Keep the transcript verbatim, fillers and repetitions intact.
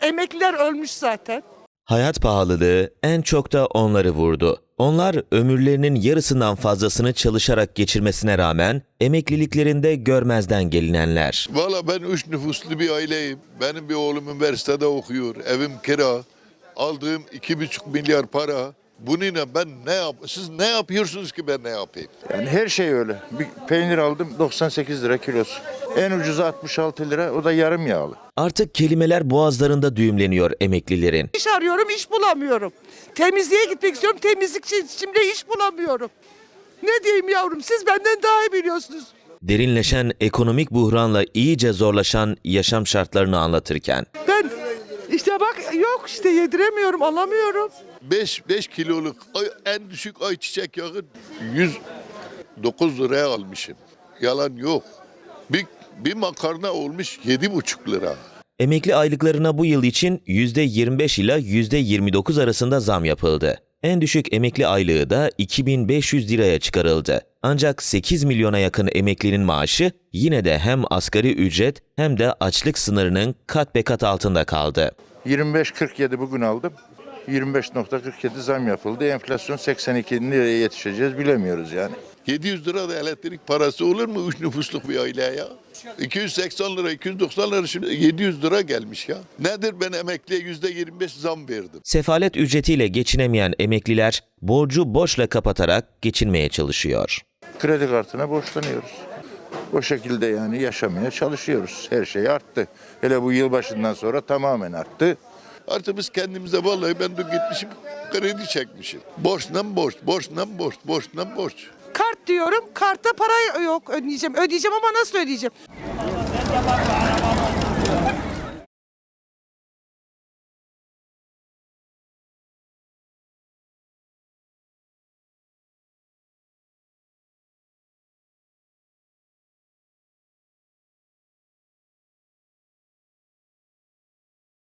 Emekliler ölmüş zaten. Hayat pahalılığı en çok da onları vurdu. Onlar ömürlerinin yarısından fazlasını çalışarak geçirmesine rağmen emekliliklerinde görmezden gelinenler. Valla ben üç nüfuslu bir aileyim. Benim bir oğlum üniversitede okuyor. Evim kira. Aldığım iki buçuk milyar para. Bununla ben ne yap? Siz ne yapıyorsunuz ki ben ne yapayım? Yani her şey öyle. Bir peynir aldım doksan sekiz lira kilosu. En ucuzu altmış altı lira, o da yarım yağlı. Artık kelimeler boğazlarında düğümleniyor emeklilerin. İş arıyorum, iş bulamıyorum. Temizliğe gitmek istiyorum, temizlikçi şimdi iş bulamıyorum. Ne diyeyim yavrum, siz benden daha iyi biliyorsunuz. Derinleşen ekonomik buhranla iyice zorlaşan yaşam şartlarını anlatırken. Ben işte bak yok işte yediremiyorum, alamıyorum. beş kiloluk ay, en düşük ayçiçek yağı yüz dokuz liraya almışım. Yalan yok. Bir, bir makarna olmuş yedi buçuk lira. Emekli aylıklarına bu yıl için yüzde yirmi beş ila yüzde yirmi dokuz arasında zam yapıldı. En düşük emekli aylığı da iki bin beş yüz liraya çıkarıldı. Ancak sekiz milyona yakın emeklinin maaşı yine de hem asgari ücret hem de açlık sınırının kat be kat altında kaldı. yirmi beş kırk yedi bugün aldım. yirmi beş nokta kırk yedi zam yapıldı. Enflasyon seksen iki nereye yetişeceğiz bilemiyoruz yani. yedi yüz lira da elektrik parası olur mu üç nüfusluk bir aileye ya? iki yüz seksen lira, iki yüz doksan lira şimdi yedi yüz lira gelmiş ya. Nedir ben emekliye yüzde yirmi beş zam verdim? Sefalet ücretiyle geçinemeyen emekliler borcu borçla kapatarak geçinmeye çalışıyor. Kredi kartına borçlanıyoruz. O şekilde yani yaşamaya çalışıyoruz. Her şey arttı. Hele bu yılbaşından sonra tamamen arttı. Artık biz kendimize vallahi ben de gitmişim kredi çekmişim. Borçtan borç, borçtan borç, borçtan borç. Kart diyorum, kartta para yok ödeyeceğim. Ödeyeceğim ama nasıl ödeyeceğim?